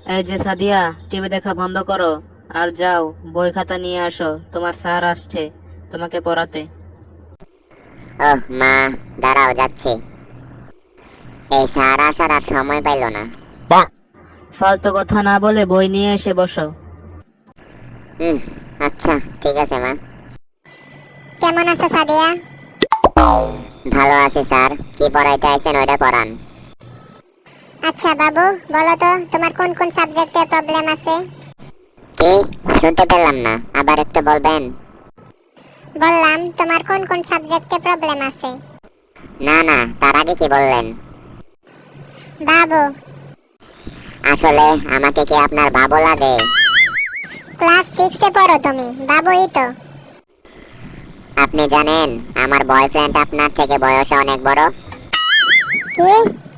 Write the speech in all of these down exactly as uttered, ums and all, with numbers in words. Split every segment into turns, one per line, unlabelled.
এই যে সাদিয়া, টিভি দেখা বন্ধ করো আর যাও বই খাতা নিয়ে আসো, তোমার স্যার আসছে তোমাকে পড়াতে।
ওহ মা, দাঁড়াও যাচ্ছি। এই স্যার আসার আর সময় পাইল না।
ফালতু কথা না বলে বই নিয়ে এসে বসো।
হুম, আচ্ছা ঠিক আছে মা।
কেমন আছো সাদিয়া?
ভালো আছি স্যার, কি পড়াইতে আইছেন ওইটা পড়ান।
আচ্ছা বাবু, বলো তো তোমার কোন কোন সাবজেক্টে প্রবলেম আছে?
কি শুনতে পেলাম না, আবার একটু বলবেন?
বললাম তোমার কোন কোন সাবজেক্টে প্রবলেম আছে।
না না, তার আগে কি বললেন?
বাবু।
আসলে আমাকে কি আপনার বাবু লাগে?
ক্লাস সিক্সে পড়ো তুমি, বাবুই তো।
আপনি জানেন আমার বয়ফ্রেন্ড আপনার থেকে বয়সে অনেক বড়।
কি?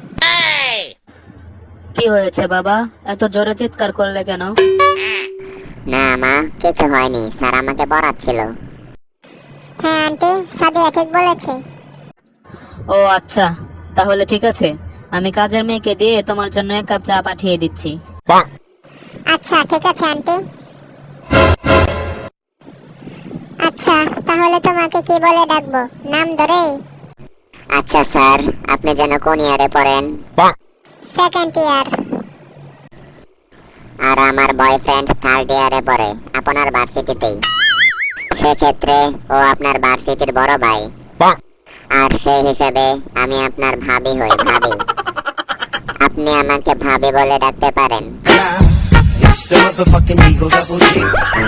কি হয়েছে বাবা, এত জোরে চিৎকার করলে কেন?
না মা, কিছু হয়নি, স্যার আমাকে পড়াচ্ছিল।
হ্যাঁ আন্টি, সাদিয়া ঠিক বলেছে।
ও আচ্ছা, তাহলে ঠিক আছে, আমি কাজের মেয়েকে দিয়ে তোমার জন্য এক কাপ চা পাঠিয়ে দিচ্ছি।
আচ্ছা ঠিক আছে আন্টি। আচ্ছা তাহলে তোমাকে কি বলে ডাকবো, নাম ধরেই?
আচ্ছা স্যার, আপনি যেন কোন ইয়ারে পড়েন?
Second year.
আর আমার বয়ফ্রেন্ড থার্ড ইয়ারে পড়ে আপনার ভার্সিটিতেই। সেক্ষেত্রে ও আপনার ভার্সিটির বড় ভাই, আর সেই হিসেবে আমি আপনার ভাবি হই, ভাবি। আপনি আমাকে ভাবি বলে ডাকতে পারেন।
It's the motherfucking Eagle Double G.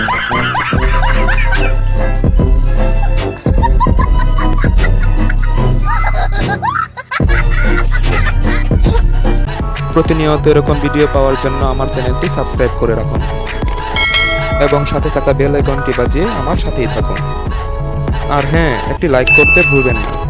প্রতিনিয়ত এরকম ভিডিও পাওয়ার জন্য আমার চ্যানেলটি সাবস্ক্রাইব করে রাখুন এবং সাথে থাকা বেল আইকনটি বাজিয়ে আমার সাথেই থাকুন। আর হ্যাঁ, একটি লাইক করতে ভুলবেন না।